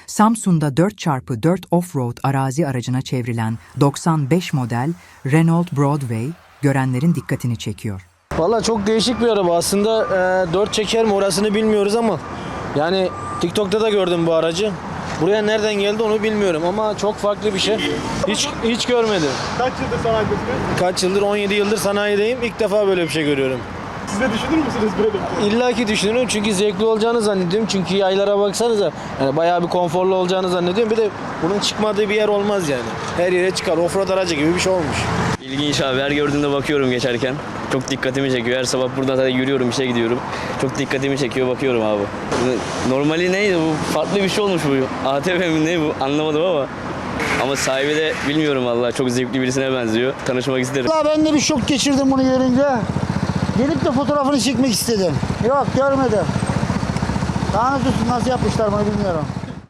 Samsun'da 4x4 off-road arazi aracına çevrilen 95 model Renault Broadway görenlerin dikkatini çekiyor. Valla çok değişik bir araba. Aslında 4 çeker mi orasını bilmiyoruz ama yani TikTok'ta da gördüm bu aracı. Buraya nereden geldi onu bilmiyorum ama çok farklı bir şey. Hiç görmedim. Kaç yıldır sanayidesiniz? Kaç yıldır? 17 yıldır sanayideyim. İlk defa böyle bir şey görüyorum. Siz de düşünür müsünüz böyle bir şey? İlla ki düşünüyorum çünkü zevkli olacağını zannediyorum. Çünkü yaylara baksanıza yani bayağı bir konforlu olacağını zannediyorum. Bir de bunun çıkmadığı bir yer olmaz yani. Her yere çıkar. Offroad aracı gibi bir şey olmuş. İlginç abi. Her gördüğümde bakıyorum geçerken. Çok dikkatimi çekiyor. Her sabah buradan zaten yürüyorum, işe gidiyorum. Çok dikkatimi çekiyor, bakıyorum abi. Normali neydi bu? Farklı bir şey olmuş bu. ATV mi ne bu? Anlamadım ama sahibi de bilmiyorum vallahi. Çok zevkli birisine benziyor. Tanışmak isterim. Vallahi ben de bir şok geçirdim bunu görünce. Gelip de fotoğrafını çekmek istedim. Yok görmedim. Daha nasıl yapmışlar bunu bilmiyorum.